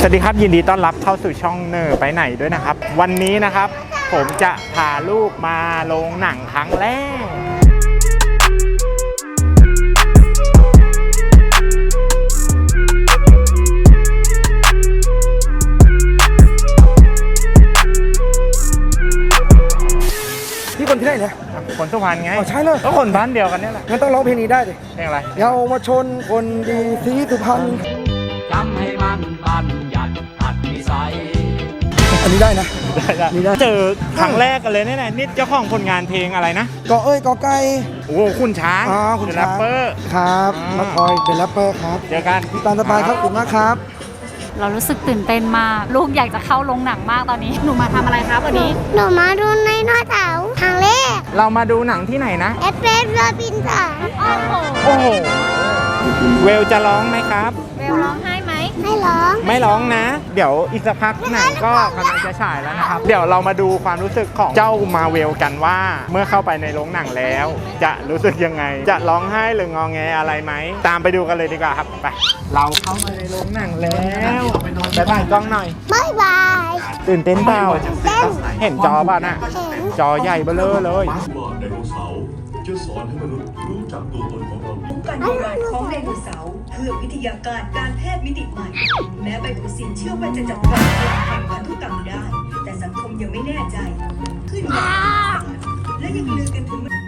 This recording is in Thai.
สวัสดีครับยินดีต้อนรับเข้าสู่ช่องเนอร์ไปไหนด้วยนะครับวันนี้นะครับผมจะพาลูกมาโรงหนังครั้งแรกพี่คนที่ไหนเนี่ยคนสุพรรณไงอ๋อใช่เลยก็คนบ้านเดียวกันเนี่ยแหละงั้นต้องร้องเพลงนี้ได้ดิเพลงอะไรเยาวมาชนคนดีสีสุพรรณจำให้มันบัญญัติอัดนิสัยอันนี้ได้นะได้นี่ได้เจอครั้งแรกกันเลยเนี่ยนี่เจ้าของผลงานเพลงอะไรนะกอเอ้ยกอไก่โอ้โหคุณช้างคุณเป็นแรช้างปเปอร์ครับอ่ามมาคอยเป็นแรปเปอร์ครับเจอกันพี่ตาลสบายครับขอบคุณมากครับเรารู้สึกตื่นเต้นมาก ลูกอยากจะเข้าโรงหนังมากตอนนี้ หนูมาทำอะไรครับวันนี้หนูมาดูในหน้าเสาครั้งแรกเรามาดูหนังที่ไหนนะเอฟเฟสโรบินสันโอ้โหเวลจะร้องไหมครับเวลร้องไห้ไหมให้ร้องไม่ร้องนะ เดี๋ยวอีกสักพักหนังก็กำลังจะฉายแล้วนะครับ เดี๋ยวเรามาดูความรู้สึกของเจ้ามาเวลกันว่า เมื่อเข้าไปในโรงหนังแล้ว จะรู้สึกยังไง จะร้องไห้หรืองอแงอะไรไหม ตามไปดูกันเลยดีกว่าครับ ไป เราเข้ามาในโรงหนังแล้วไปถ่ายกล้องหน่อยบ๊ายบายตื่นเต้นเปล่าเต้นเห็นจอป่ะน่ะเห็นจอใหญ่เบ้อเร่อเลยว่าไดโนเสาร์จะสอนให้มนุษย์รู้จักตัวตนของเราการทำงานของไดโนเสาร์เพื่อวิทยาการการแพทย์มิติใหม่ แม้ไบโอซินเชื่อว่าจะจัดการพลังแห่งพันธุกรรมได้ แต่สังคมยังไม่แน่ใจ ขึ้นอย่างและยังลือกันถึง